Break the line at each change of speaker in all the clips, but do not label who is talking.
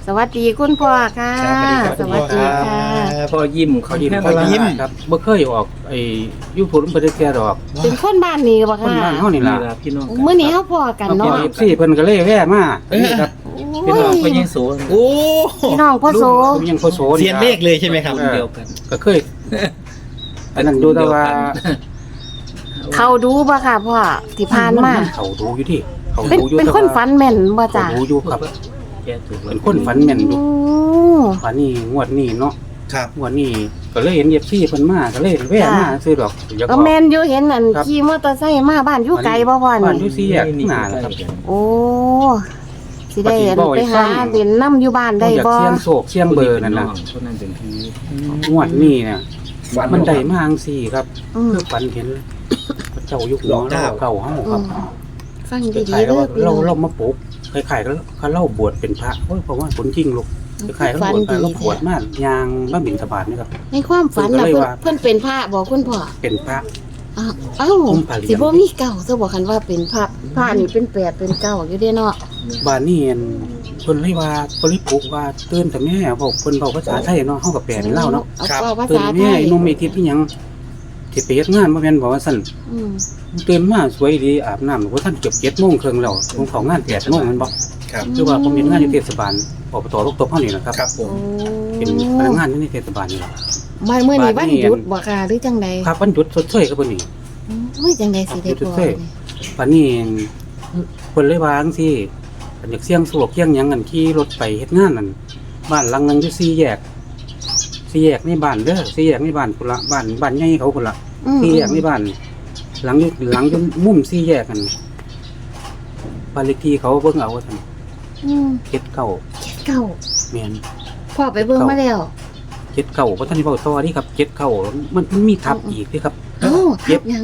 สวัสดีคุณพ่อค่ะ
สวัสดีค่ะ
พ่อยิ้มเขายิ้ม
พ่อยิ้ม
ครับบ่เคยออกไอ้ยูทูบบ่ได้แก่ดอก
เป็นคนบ้านนี้บ่
คน
ค่ะ
บ้านเฮานี่ล่ะพี่น้อง
มื้อนี้เฮาพ่อกัน
เนาะ
เนาะ
FC เพิ่นก็เลยแว่มานี่ครับ
โอ้
พี่น้อง
ย
เพิ่นยังโส
โอ้
พี่น้องพ่อโส
ผมยังโคโส
เซียนเลขเลยใช่ไหมครับ
เดียวกันก็เคยอันนั้นดูแต่ว่า
เขาดูบ่ค่ะพ่อที่ผ่านมา
เขาดูอยู่ที่เขา
เป็น
ดูอยู่
เป็นคนฝันแม่นบ่
เขา
จ้ะ
ดูอยู่ครับ
แกถูก
เป็นคนฝันแม่นอยู่
โอ้
ฝันนี่งวดนี้เนาะ
ครับ
งวดนี้ก็เลยเห็น FC เพิ่นมาก็เลยแว่มาซื้อดอกอยาก
ก็
ออก
แม่นอยู่เห็นอัน
ครับ
ขี่มอเตอร์ไซค์มาบ้านอยู่ไกลบ่พ่อ
บ้านอ
นี่
ยู่สี่แยกข้างหน้านะครับ
โอ้สิได้อัน
ปฏิบัติ
ไปหา
ฟัง
เด่นนํอยู่บ้านได้
อยาก
บ่
เสียงโศกเสียงเบอร์นั่นน่ะ
คนนั้นเป็นพี่
งวดนี้เนี่ยมันได้มาจังซี่ครับ
อืม
คือฝันเห็นพระเจ้าอยู่หัวเราเก่าเฮา
อื
ครับ
มฟัง
ค
ดี
ล้าย
ๆ
ๆ
เด้อ
ว่า
พี่น้
เรา
อง
มาปลูกคล้ายๆก็เขาเล่าบวชเป็นพระโอ้ยเพราะว่าคนจริงลูกคล้ายๆเขาบวชไปเราบวชมากยางบ้าบิณฑบาตนี่ครับ
ในความฝันน่ะ
เพิ่นก็เลย
เพิ่น
ว่า
เพิ่นเป็นพระบ่คุณพ่อ
เป็นพระ
เอ้า
ผมพาเรียน
สิบ่มีเก่าซะบ่คันว่าเป็นพระนี่เป็นแปดเป็นเก้าอยู่เด้เนาะ
บ้านนี้เพิ่นเลยว่าเพิ่นเลยปลูกว่าตื่นแต่แม่บอกเพิ่นเว้าภาษาไทยเนาะเฮาก็แปลเป็นลาวเนาะ
เอาเว้าภา
ตื่น
ษาไท
แม่
ย
ไอ้นมไอ้ทิพย์อีหยังที่ไปเฮ็ดงานบ่แม่นบอกว่าซั่น
อืม
ตื่นมาสวยดีอาบน้ำว่าท่านเกือบ7:30นแล้วผมเข้างาน8:00นแม่นบ่
ครับ
คือว่าผมเฮ็ดงานอยู่เทศบาลอบตลูกตบเฮานี่นะครับ
ครับผม
โอ้
เป็นพนักงานอยู่ในเทศบาลนี่ล่ะ
บ้านมื้อนี้
บ้า
วัน น
นี้
หยุดบ่ค่ะหรือจังใด
ครับวันหยุดชดเชยครับเพิ่นนี่
โอ้ยจังใดสิได้
หยุดช
พ
ด
อ
เชยวันนี้เพิ่นเลยว่าจังซี่อันอยากเสี่ยงโชคเสี่ยงหยังกันขี่รถไปเฮ็ดงานนั่นบ้านหลังนึงอยู่4แยกในบ้านเด้อ4แยกในบ้านพุ่นละบ้านใหญ่เขาพุ่นละ
อืม
4แยกในบ้านหลังอยู่มุม4แยกกันบ้านเลขที่เขาเบิ่งเอาว่าซั่น
อืม
79
เก้า
แม่น
พ่อไปเบิ่งมาแล้ว
79เพราะท่านที่เว้าต่อนี่ครับ79มันมีทับอีกเด้ครับ
เอ้า
เจ็
ทั
ด
บหยัง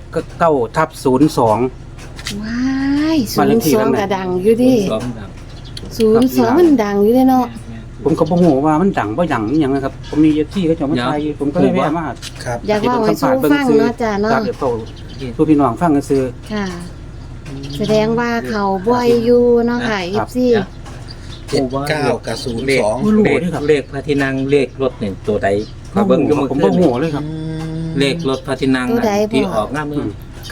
79/02
ว้าย
บ้านเลขที่
02
นั้นน่ะ
ก็ดังอยู่ดิ
ซ้อมดัง
02มันดังอยู่เด้เนาะ
ผมก็บ่ฮู้ว่ามันดังบ่ดังอีหยังนะครับผมมีที่เขาเจะมาถ่ายผมก็เลยแวะมา
ครับ
อยากเว้าให้สู้ฟังเนาะจ้ะเนาะ
ครับเดี๋ยวเขาสู้พี่น้องฟังกันซื่อ
ค่ะ แสดงว่าเขาบ่อยอยู่เนาะค่ะ
ครับ
FC
79กับ
เลข
02
เลขพระที่นั่งเลขรถเนี่ยตัวใด
ผม
เบิ่งอยู่เมื่อ
ผม
คื
บ่
น
ฮู้เลยครับ
เลขรถพระที่นั่ง
ตัวใด
ที่
พ่อ
ออกหน้ามือ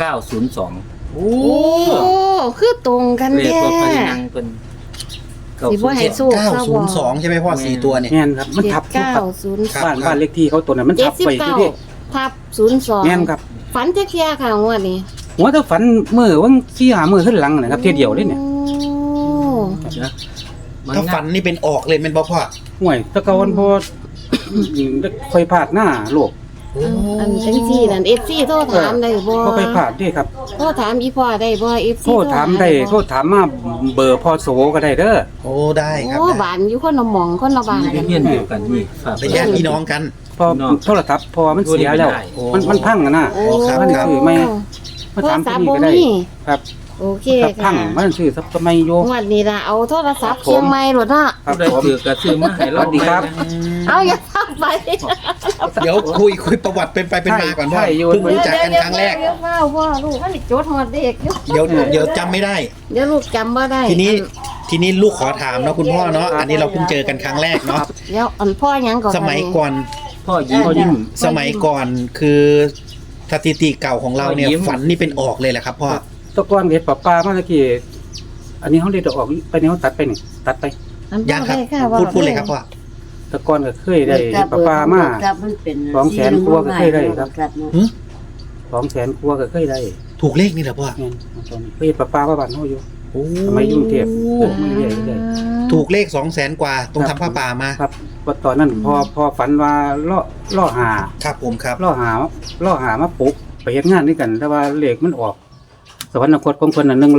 902
โอ้
โอ้คือตรงกัน
เลข
แท้
รถพระที่นั่งเป็น
สิบ่ให้สู้เขาบ่
902ใช่ไหมพ่อ4ตัวเนี่ย
แม่นครับมันทับอยู่ครับ
ครับ
บ้านเลขที่เขาตัวนั้นมันทับไปอยู่ดิ
79ทับ02
แม่นครับ
ฝันจักเที่ยค่ะงวดนี้
หัวถ้าฝันมื้อวัน4-5มื้อขึ้นหลังนะครับเที่ยเดียวเลยเนี่ย
โอ้
นะมัน
ถ้าฝันนี่เป็นออกเลยเป็นบ่พ่อ
ห่วยแตะเกาวันพอค่อยพลาดหน้าโลก
อันจังซี่นั่น FC โทรถามได้บ่
บ่ค่อยพลาดเด้ครับ
โทรถามอีพ่อได้บ่ FC
โทษถามได้โทษถามมาเบอร์พ่อโสก็ได้เด้อ
โอ้ได้ครับ
โอ้
ได้
บ้านอยู่คนละหม่องคนละบ้านกัน
เฮียนเดียวกันนี่ฝาก
เป็นญาติพี่น้องกัน
พอโทรศัพท์พอมันเสียแล้ว
โอ้
มันพังอะนะ
โอ้
ครับ
มันซื้อไม่มา
โทร
ถาม
ศั
ที่
พท์
นี่
บ่
ก็ได้
มี
ครับ
โอเค
ถ้าพั
ค่ะ
งมันซื้อซับไม่โย
งวดนี้ล่ะเอาโทรศัพท์เชียงใหม่โลดเนาะ
ครับ
ได้
ผม
ถือกระซื้อมาให้เรา
สวัสดีครับ
เอาอย่าทักไป
เดี๋ยวคุยประวัติเป็นไปเป็นมาก่อนพ่อ
ใช่อยู่
เพิ่งรู้จักกันครั้งแรก
เดี๋ยวพ่อลูกมันจดฮอดเด็กอยู่
เดี๋ยวจำไม่ได้
เดี๋ยวลูกจำบ่ได้
ทีนี้ลูกขอถามเนาะคุณพ่อเนาะอันนี้เราเพิ่งเจอกันครั้งแรกเนาะ
เดี๋ยวอันพ่อหยังก่อน
สมัยก่อน
พ่อยิ้ม
พ่อยิ้ม
สมัยก่อนคือสถิติเก่าของเราเนี่ย
พ่อยิ้ม
ฝันนี่เป็นออกเลยแหละครับพ่อ
ตะกอนเห็ดปลาปลามาตะกี้อันนี้เขาเด็ดออกไปนี่เขาตัดไปนี่ตัดไป
อันพ่อ
ยังครับ
ได้ค่ะว่า
พูดเลยครับพ่อ
ตะกอนก็เคยได้ปลาปลามา200,000กว่าก็เคยได้ครับ200,000กว่าก็เคยได้
ถูกเลขนี่แหละพ่อ
แม่นตอนนี้เคยเห็ดปลาปลาบ้านเฮาอยู่
โอ้
สมัยยุ่งเทพไม่เรื่อย
ถูกเลข200,000 กว่าตรงทำผ้าป่ามา
ครับว่าตอนนั้นพอฝันว่าล่อหา
ครับผมครับ
ล่อหามาปลุกไปเฮ็ดงานด้วยกัน แต่ว่าเลขมันออก สวรรคตของเพิ่นน่ะ100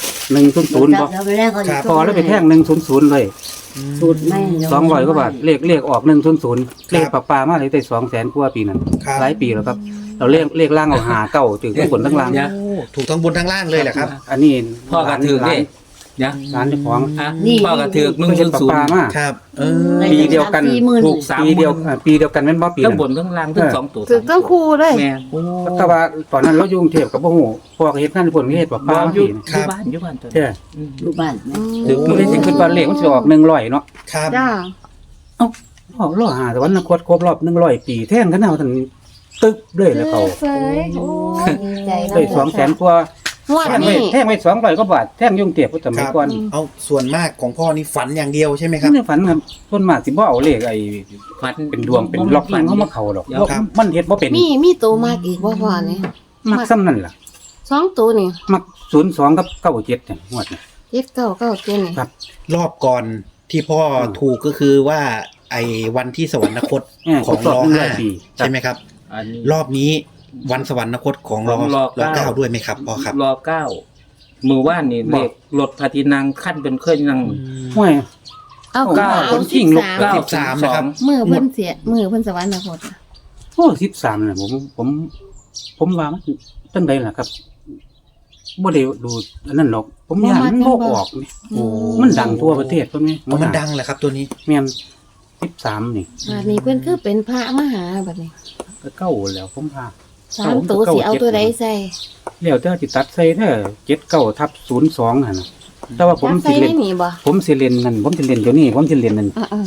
100บ่พอแล้วไปแท่ง100เลย
สูตรแม่
200กว่าบาทเลขออก100เลขปลามาเลยได้200,000กว่าปีนั้น
ครับ
หลายปีแล้วครับ เราเลขล่างเอาหาเก่าถึงทั้งบนทั้งล่าง
โอ้ถูกทั้งบนทั้งล่างเลยแหละครับ
อันนี้
พ่อก็ถือ
หลา
เด้
น
นะ
ร้านเจ้าของ
อ่ะ
นี่
พ่อก็ถือ
เพิ่งเห็นปลาปลา
100
มา
ครับ
ปีเดียวกัน
40,000
ถูก3
ปีเดียวปีเดียวกันแม่นบ่ปี
ทั้ง
นั้น
บนทั้งล่างทั้ง2ตัว
ถึกต้องครูเลย
แม่
แต่ว่าตอนนั้นเราอยู่กรุงเทพกับบ่ฮู้พ่อก็เฮ็ดงานอยู่พุ่นเฮ็ดปลาป
บ่
ลา
อยู่
พี่
อยู่บ้านตอน
ใช่
อืม
อยู่บ้าน
ถึง
ก็เลยสิขึ้นว่าเลขมันสิออก100เนาะ
ครับ
จ้า
เอ้าออก100หาแต่วันนั้นครบรอบ100ปีแท่งกันเอาทันตึ๊บเลยแล้วเขา
เสยโอ้ยดีใจนะ
ได้200,000กว่า
งวด
แท่งไว้
นี้
แท่งไว้200กว่าบาทแท่งยุ่งเตียบสมัยก่อน
เอาส่วนมากของพ่อนี่ฝันอย่างเดียวใช่ไหมครับ
นี่ฝันครับส่วนมากสิบ่เอาเลขไอ้
ฝัน
เป็นดวงเป็นล็อกฝันเข้ามาเข้าดอก
ครับ
มันเฮ็ดบ่เป็น
มีตัวมากอีกบ่พ่อนี่
มักซ้ำนั่นล่ะ
2ตัวนี่
มัก02กับ97เนี่ยงวดนี่
7997นี่
ครับ
รอบก่อนที่พ่อถูกก็คือว่าไอ้วันที่สวรรคต
ค
ข
ร
อบ ง
ร
ร
อบ
อห้า
100ปี
ใช่ไหมครับ
อันนี้
รอบนี้วันสวรรคตของรอ
ของร
รอ
เก้า
เก้าด้วยไหมครับพ่อครับ
รอ9มือว่านนี่เลขรถพาทินังขั้นเป็นเคยนั่ง
ห้วย
เอา
เก้า
เอา
ชิงลูก
13
13นะครับ
มือเพิ่นเสียมือเพิ่นสวรรคตอะ
โอ้13น่ะผมว่ามันจังไดล่ะครับบ่ได้ดูอันนั้นหรอก ผมย่านมันบ่ออกนี่
โอ้
มันดังทั่วประเทศตัวนี้
มันดังแหละครับตัวนี้
แม่น13นี่
บัดนี้เพิ่นคือเป็นพระมหาบัดนี้
ก็เก้าแล้วผมพา
3ตัวสิเอาตัวใดใส่
แล้วแต่สิตัดใส่เด้อ79/02หั่นน่ะแต่ว่าผม
จับ
สิ
ใส่
เล่
ได้
น
นี่บ่
ผมสิเล่นนั่นผมสิเล่นเดี๋ยวนี้ผมสิเล่นนั่น
เออ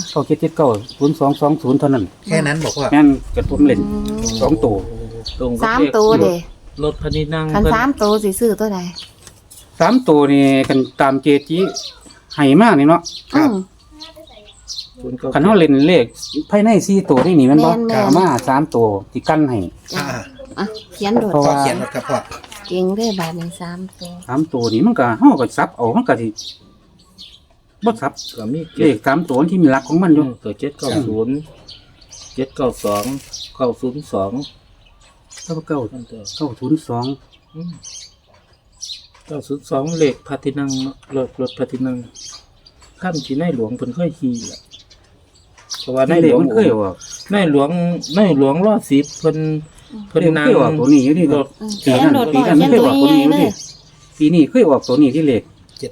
9779/0220เท่านั้น
แค่นั้นบอกว่า
แม่นก็ผมเล่น2ตัว
ตรง
ๆ
กับ
สาม
เลข
ตัวเด้
รถพาทินัง
คัน
เพิ่น
3ตัวสิซื้อตัวใด
3ตัวนี่กันตามเจจิให้มานี่เนาะ
ครับ
คันเฮาเล่นเลขภายใน4ตัวนี่มันบ่
แม่นๆ
กามา3ตัวที่กันให้
อ่า
อ่ะเขียนโดด
เพราะ
พ่อ
ว่า
เขียนรถครับพ่อ
เก่งได้บาดนี้3ตัว
3ตัวนี่มันก็เฮาก็ซับเอามันก็สิบ่ซับ
ก็มี
เลข3ตัวที่มีหลักของมันอยู่
ตัว790 792 902 นั่นตัว
902
902เลขพาทินังเนาะรถพาทินังข้ามที่ในหลวงเพิ่นเคยขี่แหละเพราะว่าใน
ใน
ห
เล
ล
ข
วง
มันเคยออก
ในหลวงรอด10เพิ่น
เลขมันเคยออกตัวนี้อยู่นี่
ร
ก็
ถ
เขียนโดด
ปี
ก่อน
นั้น
เขียน
เคย
ตั
อ
ว
อกตัว
ใหญ่
นี้อยู่
ๆเล
นี่
ย
ปีนี้เคยออกตัวนี้ที่เลข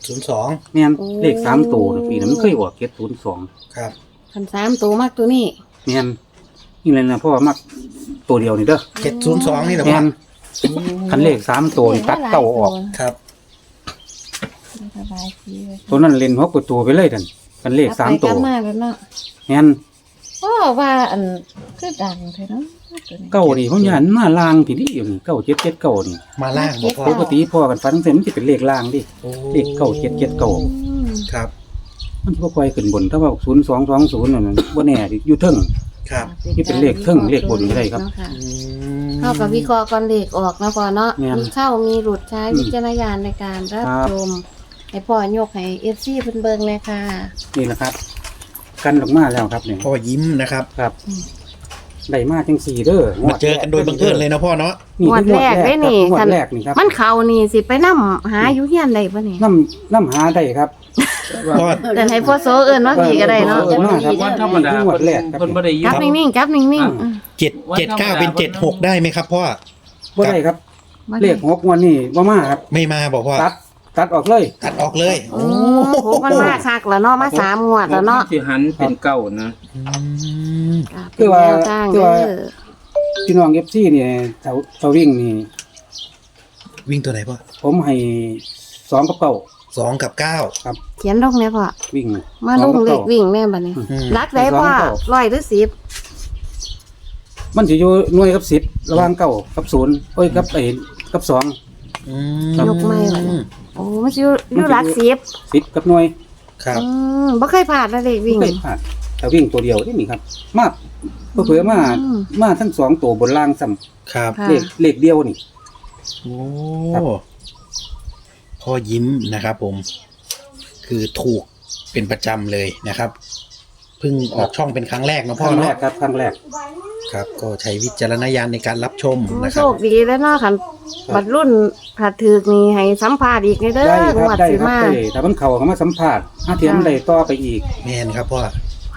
702
แม่น
โอ้
เลข3ตัวปีนั้นมันเคยออก702
ครับ
คัน3ตัวมากตัวนี้
แม่นนี่เลยนะเพราะว่ามักตัวเดียวนี่เด้อ
702นี่เหรอ
แม่
พ่อน
คันเลข3ตัวนี่ตัดเก้าออก
ครับ
สบายดีเลย
ตัวนั้นเล่น6กว่าตัวไปเลยท่านคันเลข3ตัว
กลับมาแล้วเนาะ
แม่น
พ่อว่าอันคือดังแท้เนาะตัวนี้
เก้านี่ผมยันมาลางพี่นี่อยู่นี่9779นี่
มาล่างบอกพ่อ
ปกติพ่อกันฟันเส้นมันสิเป็นเลขล่างดิ
โอ้
เลข9779
อืม
ครับ
มันบ่ค่อยขึ้นบนถ้าว่า0220นั่นบ่แน่ดิอยู่เทิง
ครับ
นี่เป็นเลขเทิงเลขบนก็ได้ครับ
เนาะะ
อืม
เข้ากับวิเคราะห์ก่อนเลขออกนะพ่อเนาะ
แม่น
มีเข้ามีหลุดใช้วิจารณญาณในการรับ
ครับ
ชมให้พ่อยกให้ FC เพิ่นเบิ่งเลยค่ะ
นี่แหละครับ กันออกมาแล้วครับนี่
พ่อยิ้มนะครับ
ครับได้มาจัง4เด้อ
มาเจอกันโดยบังเอิญเลยนะพ่อเนาะ
นี่
งวดแรกเด้นี่
งว
คั
ด
น
แรกนี่ครับ
มันเข้านี่สิไปนำหาอยู่เฮียนได้บ่นี่
น้ำหาได้ครับ
พ่อ
แต่ให้พ่อโซเอิ้นว่าพี่ก็ได้เนาะ
เออมาครับ
วันธรรมดา
งวดแรกครับ
เพิ่นบ่ได้ยิ
จับนิ่งๆจับนิ่งๆอืม
779เป็น76ได้ไหมครับพ่อ
บ่ได้ครับ
บ่ได้
เลข6งวดนี่บ่มาครับ
ไม่มาบอกพ่อ
ตัดออกเลย
ตัดออกเลย
โอ้โหมันมาคักแล้วเนาะมา3งวดแล้วเนาะ
สิหันเป็นเก้านะ
อืม
คือว่า
เป็นแนวทาง
คือ
เด้
ว่า
อ
พี่น้อง FC นี่เสาวิ่งนี่
วิ่งตัวไหนพ่อ
ผมให้2กับ9
2 กับ 9
ครับ
เขียนลงเนี่ยพ่อ
วิ่ง
มาลงเลขวิ่งแม่บัดนี้
อืม
รักได้พ่อ100หรือ10
มันสิอยู่หน่วยกับ10ระหว่าง9กับ0โอ้ยกับ2
อื
ยกไม่ไหว โอ้มันสิอยู่รัก10
10กับหน่วย
ครับ
บ่เคยพลาดนะเลขวิ่ง
ไม่เคยพลาดแต่วิ่งตัวเดียวนี่ครับมาเผื่อๆมาทั้ง2ตัวบนล่างซ้ำ
ครับ
ค่ะ
เลขเดียวนี่
โอ้
ครับ
พ่อยิ้มนะครับผม คือถูกเป็นประจำเลยนะครับเพิ่งออกช่องเป็นครั้งแรกนะ
ค
พ่อ
รั้งแร
เนาะ
กครับครั้งแรก
ครับ ก็ใช้วิจารณญาณในการรับชมนะค
โช
รับ
คดีแล้วเนาะคันบัดรุ่นผัดถึกนี่ให้สัมภาษณ์อีกในเด้อ
ได้ค
ง
รับ
วด
ได้
สิ
ครับ
มา
ได้แต่มันเข้ามาสัมภาษณ์ถ้าเทียมได้ต่อไปอีก
แม่นครับพ่อ
ค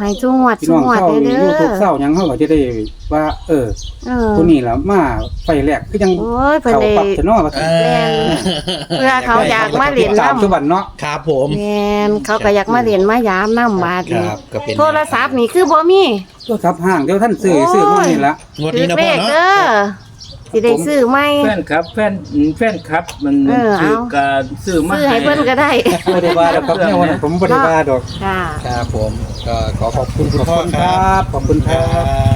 ให้จุงวัด
พี่
จุ
น้อง
งวัด
เศร้า
เด้
นี่
อ
YouTube เศร้าหยังเฮาก็จะได้ว่า
เออ
ผู้นี้ล่ะมาไฟแรกคือจัง
โอ้ยเพิ่น
เขา
ได้
ปรับซะเนาะว่า
เอ
เพื่อเขาอยากมาเล่น
ตามทุก
น้ำ
วันเนาะ
ครับผม
แม่นเขาก็อยากมาเล่นมายามน้ำบาด
ค
นี่
รับก็เป็น
โทรศัพท์นี่คือบ่มี
โทรศัพท์ห้างเดี๋ยวท่านซื้อ
โอ้ย
ซื้อมานี่ละ
งวด
ถื
นี้
อ
นะ
เล
พ่อ
ข
เนาะ
เด้อสิได้ซื้อไหม
แฟนครับแฟนครับมัน
เออเอา
คือการซื้อมา
ซื้อให้เพิ่นก็ได้
บ่ได้ว่าดอกครับเนี่ยวันนั้นผมบ่ได้ว่าดอก
ค่ะ
ครับผมก็ขอขอบคุณคุณพ่อ
ขอบคุณ
ค
ค
รั
รับ บขอบคุณครับ
ครับ